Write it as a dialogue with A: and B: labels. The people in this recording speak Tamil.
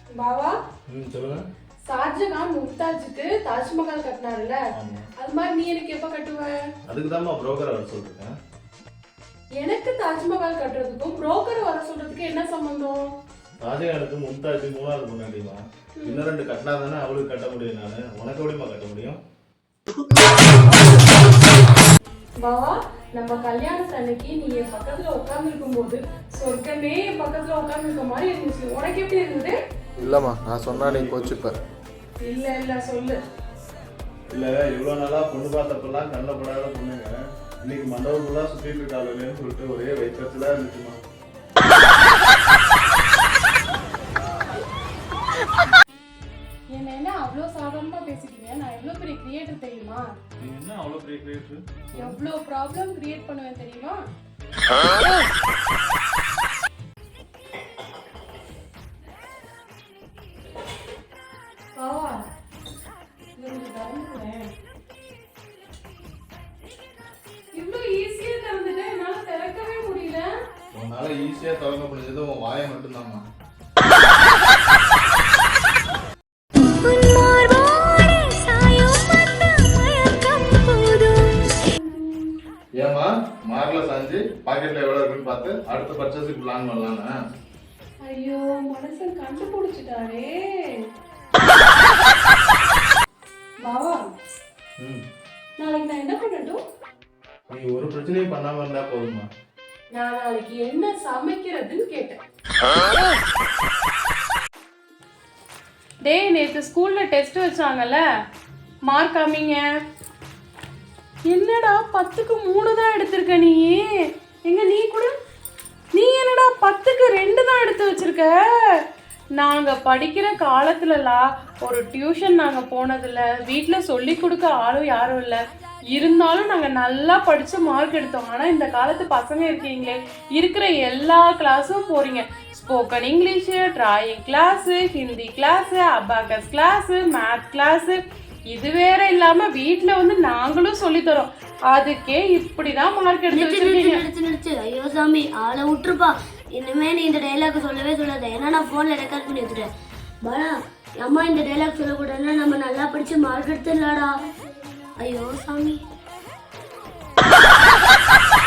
A: பாவா
B: சொல்லுங்க.
A: ஷாஜகான் மும்தாஜுக்கு தாஜ்மஹால் கட்டினாருல்ல, அது மாதிரி நீ எனக்கு எப்ப கட்டுவ?
B: அதுக்கு தான் புரோக்கரை வர சொல்லிருக்கேன்.
A: எனக்கு தாஜ்மஹால் கட்டுறதுக்கும் புரோக்கரை வர சொல்றதுக்கு என்ன சம்பந்தம்?
B: ஷாஜகானுக்கு மும்தாஜ் மூணாவது பொண்ணாடிமா, இன்னும் 2 கட்டினா தானே அவளுக்கு கட்ட முடியும். நானு உனக்கு எப்படிமா கட்ட முடியும்?
A: பாவா, நம்ம கல்யாணத்து அன்னைக்கு நீ என் பக்கத்துல உட்கார்ந்து இருக்கும் போது சொர்க்கமே என் பக்கத்துல உட்கார்ந்து இருக்க மாதிரி இருந்துச்சு. உனக்கு எப்படி இருந்தது?
C: இல்லம்மா, நான் சொன்னா நீ கோச்சுப்ப.
A: இல்ல சொல்லு.
B: இல்ல, இவ்வளவு நாளா பொண்ணு பார்த்தப்பெல்லாம் கண்ணப்படாத பொண்ணுங்க இன்னைக்கு மண்டபத்துலா சுத்திட்டு இருக்காளுன்னு சொல்லிட்டு ஒரே வைக்கத்துல இருந்துச்சுமா.
A: என்ன அவ்வளோ சாதாரணமா பேசிட்டீங்க? நான் எவ்வளவு பெரிய கிரியேட்டர் தெரியுமா?
B: நீ என்ன அவ்வளவு பெரிய கிரியேட்டர்?
A: எவ்வளவு ப்ராப்ளம் கிரியேட் பண்ணுவேன் தெரியுமா? இவ்வளவு ஈஸியா திறந்துட்டேன், என்னால திறக்கவே முடியல.
B: உன்னால ஈஸியா திறக்க முடிஞ்சது உன் வாயை மட்டும்தாம்மா. ஏமா மார்ல சாஞ்சி பாக்கெட்ல எவ்வளவு இருக்குன்னு பார்த்து அடுத்த பர்ச்சேஸுக்கு பிளான் பண்ணலாம்னா?
A: ஐயோ, மனசன் கண்டுபிடிச்சிட்டாரே. பாவா, நாளைக்கு நான் என்ன பண்ணட்டும்?
B: நீ ஒரு பிரச்சனையும் பண்ணாம இருந்தா போதுமா.
A: நான் நாளைக்கு என்ன சமைக்கிறதுன்னு கேட்டேன். டேய், நேற்று ஸ்கூல்ல டெஸ்ட் வச்சாங்கல்ல, மார்க் காமிங்க. என்னடா 10க்கு 3 தான் எடுத்திருக்க நீ? எங்க நீ கூட நீ என்னடா 10க்கு 2 தான் எடுத்து வச்சிருக்க? நாங்க படிக்கிற காலத்துலலாம் ஒரு டியூஷன் நாங்க போனதில்ல, வீட்டில் சொல்லி கொடுக்க ஆளும் யாரும் இல்லை. இருந்தாலும் நாங்கள் நல்லா படித்து மார்க் எடுத்தோம். ஆனால் இந்த காலத்து பசங்க இருக்கீங்களே, இருக்கிற எல்லா கிளாஸும் போகிறீங்க. Spoken English, drawing class, Hindi class, abacus class, math class, இது வேற இல்லாமல் வீட்டில் வந்து நாங்களும் சொல்லித்தரோம். அதுக்கே இப்படி தான் மார்க் எடுத்து.
D: ஐயோ சாமி, ஆளை விட்டுருப்பா. இனிமே நீ இந்த டைலாக் சொல்லவே சொல்லாத, ஏன்னா நான் ஃபோனில் ரெக்கார்ட் பண்ணி வச்சுட்டேன். பாலா, அம்மா இந்த டைலாக் சொல்லக்கூடாதுன்னா நம்ம நல்லா படித்து மார்க் எடுத்துடலாடா. ஐயோ சாமி.